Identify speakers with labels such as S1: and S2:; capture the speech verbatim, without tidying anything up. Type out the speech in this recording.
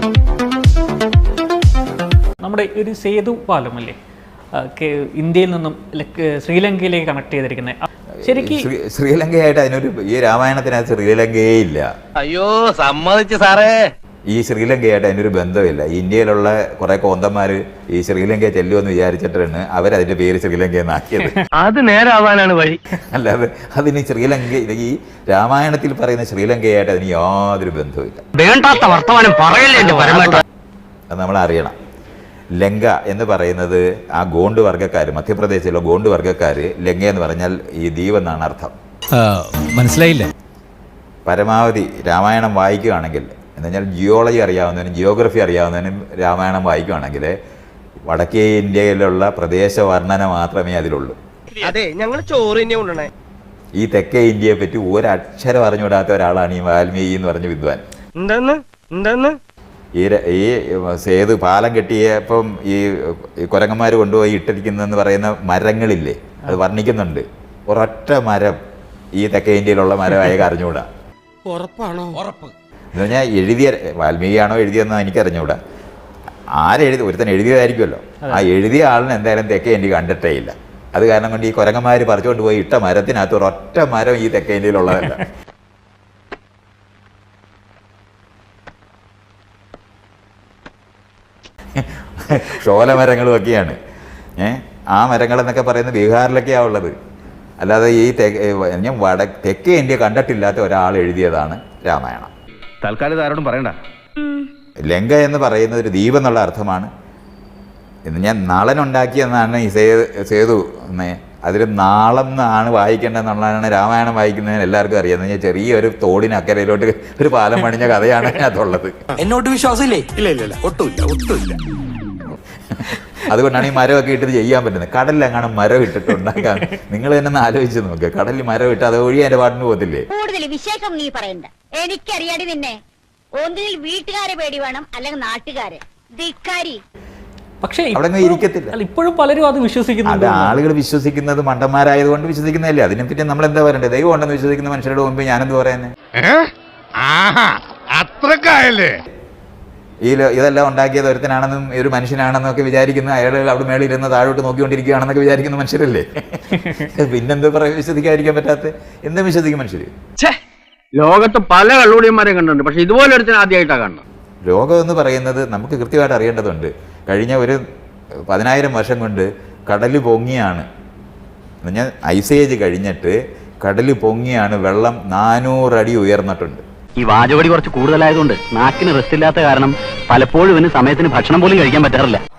S1: നമ്മുടെ ഒരു സേതു പാലമല്ലേ ഇന്ത്യയിൽ നിന്നും ശ്രീലങ്കയിലേക്ക് കണക്ട് ചെയ്തിരിക്കുന്നത്. ശരിക്കും
S2: ശ്രീലങ്കയായിട്ട് അതിനൊരു ഈ രാമായണത്തിനകത്ത് ശ്രീലങ്കയേ ഇല്ല.
S3: അയ്യോ സമ്മതിച്ചു സാറേ.
S2: ഈ ശ്രീലങ്കയായിട്ട് അതിനൊരു ബന്ധമില്ല. ഇന്ത്യയിലുള്ള കുറെ കോന്തന്മാർ ഈ ശ്രീലങ്കയെ ചെല്ലുമെന്ന് വിചാരിച്ചിട്ടാണ് അവരതിന്റെ പേര് ശ്രീലങ്കയെന്നാക്കിയത്.
S3: അത് നേരാവാനാണ് വഴി.
S2: അല്ലാതെ അതിന് ശ്രീലങ്ക ഈ രാമായണത്തിൽ പറയുന്ന ശ്രീലങ്കയായിട്ട് അതിന് യാതൊരു ബന്ധവുമില്ല.
S3: വേണ്ടാത്ത വർത്തമാനം പറയല്ലേ.
S2: അത് നമ്മൾ അറിയണം. ലങ്ക എന്ന് പറയുന്നത് ആ ഗോണ്ട് വർഗ്ഗക്കാർ, മധ്യപ്രദേശിലുള്ള ഗോണ്ട് വർഗ്ഗക്കാർ ലങ്ക എന്ന് പറഞ്ഞാൽ ഈ ദ്വീപ് എന്നാണ് അർത്ഥം.
S4: മനസ്സിലായില്ല.
S2: പരമാവധി രാമായണം വായിക്കുകയാണെങ്കിൽ എന്ന് പറഞ്ഞാൽ ജിയോളജി അറിയാവുന്നതിനും ജിയോഗ്രഫി അറിയാവുന്നതിനും രാമായണം വായിക്കുകയാണെങ്കിൽ വടക്കേ ഇന്ത്യയിലുള്ള പ്രദേശ വർണ്ണന മാത്രമേ അതിലുള്ളൂ.
S3: അതെ, ഞങ്ങൾ ചോറിനെ കൊണ്ടുവന്നേ.
S2: ഈ തെക്കേ ഇന്ത്യയെ പറ്റി ഒരക്ഷരം അറിഞ്ഞുവിടാത്ത ഒരാളാണ് ഈ വാൽമീകി എന്ന് പറഞ്ഞ വിദ്വാൻ.
S3: എന്തെന്ന് എന്തെന്ന്
S2: ഈ ഈ സേതു പാലം കെട്ടിയപ്പം ഈ കുരങ്ങന്മാർ കൊണ്ടുപോയി ഇട്ടിരിക്കുന്നതെന്ന് പറയുന്ന മരങ്ങളില്ലേ, അത് വർണ്ണിക്കുന്നുണ്ട്. ഒരൊറ്റ മരം ഈ തെക്കേ ഇന്ത്യയിലുള്ള മരം അയാൾക്ക് അറിഞ്ഞുകൂടാ.
S3: ഉറപ്പാണോ? ഉറപ്പ്
S2: എന്ന് പറഞ്ഞാൽ എഴുതിയ വാൽമീകിയാണോ എഴുതിയെന്ന് എനിക്കറിഞ്ഞുകൂടാ. ആരെഴുതി ഒരുത്തൻ എഴുതിയതായിരിക്കുമല്ലോ. ആ എഴുതിയ ആളിന് എന്തായാലും തെക്കേ ഇന്ത്യ കണ്ടിട്ടേ ഇല്ല. അത് കാരണം കൊണ്ട് ഈ കുരങ്ങന്മാർ പറിച്ചുകൊണ്ട് പോയി ഇട്ട മരത്തിനകത്ത് ഒരൊറ്റ മരം ഈ തെക്കേ ഇന്ത്യയിലുള്ളതല്ല. ഷോലമരങ്ങളും ഒക്കെയാണ്. ഏഹ് ആ മരങ്ങളെന്നൊക്കെ പറയുന്നത് ബീഹാറിലൊക്കെയാണ് ഉള്ളത്. അല്ലാതെ ഈ ഞാൻ വട തെക്കേ ഇന്ത്യ കണ്ടിട്ടില്ലാത്ത ഒരാൾ എഴുതിയതാണ് രാമായണം.
S3: തൽക്കാലം ആരോടും പറയണ്ട.
S2: ലങ്ക എന്ന് പറയുന്നത് ഒരു ദ്വീപ് എന്നുള്ള അർത്ഥമാണ്. ഇന്ന് ഞാൻ നാളനുണ്ടാക്കിയെന്നാണ് ഈ സേ സേതു അതിൽ നാളം എന്നാണ് വായിക്കേണ്ടതെന്നുള്ളതാണ് രാമായണം വായിക്കുന്നതിന് എല്ലാവർക്കും അറിയാം. എന്ന് ചെറിയൊരു തോടിന് അക്കരയിലോട്ട് ഒരു പാലം പണിഞ്ഞ കഥയാണ് അതിനകത്തുള്ളത്.
S4: എന്നോട്ട് വിശ്വാസമില്ലേ?
S3: ഇല്ല ഇല്ല ഒട്ടുമില്ല ഒട്ടുമില്ല.
S2: അതുകൊണ്ടാണ് ഈ മരമൊക്കെ ഇട്ടിട്ട് ചെയ്യാൻ പറ്റുന്നത്. കടലിലെങ്ങാനും മരം ഇട്ടിട്ട് ഉണ്ടാക്കാൻ നിങ്ങൾ തന്നെ ഒന്ന് ആലോചിച്ച് നോക്കുക. കടലിൽ മരം ഇട്ട് അത് ഒഴി അതിന്റെ പാട്ടിന് പോകത്തില്ലേ?
S5: കൂടുതൽ വിശേഷം നീ പറയണ്ട. എനിക്കറിയാടി നിന്നെ. ഒന്നിൽ വീട്ടുകാരെ പേടി വേണം, അല്ലെങ്കിൽ നാട്ടുകാരെ ധിക്കാരി.
S1: പക്ഷേ
S2: അവിടെ ഇരിക്കത്തില്ല.
S1: ഇപ്പോഴും പലരും അത് വിശ്വസിക്കുന്നു.
S2: അത് ആളുകൾ വിശ്വസിക്കുന്നത് മണ്ടന്മാരായതുകൊണ്ട് വിശ്വസിക്കുന്നതല്ലേ. അതിനെപ്പറ്റി നമ്മൾ എന്താ പറയണ്ടേ? ദൈവം ഉണ്ടെന്ന് വിശ്വസിക്കുന്ന മനുഷ്യരുടെ മുമ്പ് ഞാനെന്ത് പറയാനെ?
S3: അത്രക്കായല്ലേ
S2: ഈ ഇതെല്ലാം ഉണ്ടാക്കിയത് ഒരുത്തനാണെന്നും ഒരു മനുഷ്യനാണെന്നും ഒക്കെ വിചാരിക്കുന്ന അയാൾ അവിടെ മേളിൽ ഇരുന്ന് താഴോട്ട് നോക്കിക്കൊണ്ടിരിക്കുകയാണെന്നൊക്കെ വിചാരിക്കുന്ന മനുഷ്യരല്ലേ. പിന്നെന്ത് പറയാൻ വിശ്വസിക്കാതിരിക്കാൻ പറ്റാത്ത എന്തും വിശ്വസിക്കും മനുഷ്യര്.
S3: ലോകത്ത് പല കള്ളുടിയന്മാരെ കണ്ടിട്ടുണ്ട്, പക്ഷെ ഇതുപോലെ ഒരുത്തിന് ആദ്യമായിട്ടാണ് കാണുന്നത്.
S2: ലോകം എന്ന് പറയുന്നത് നമുക്ക് കൃത്യമായിട്ട് അറിയേണ്ടതുണ്ട്. കഴിഞ്ഞ ഒരു പതിനായിരം വർഷം കൊണ്ട് കടൽ പൊങ്ങിയാണ്. ഞാൻ ഐസേജ് കഴിഞ്ഞിട്ട് കടൽ പൊങ്ങിയാണ് വെള്ളം നാനൂറടി ഉയർന്നിട്ടുണ്ട്.
S6: ഈ വാചകടി കുറച്ച് കൂടുതലായതുകൊണ്ട് നാക്കിന് റെസ്റ്റ് ഇല്ലാത്ത കാരണം പലപ്പോഴും ഇവന് സമയത്തിന് ഭക്ഷണം പോലും കഴിക്കാൻ പറ്റാറില്ല.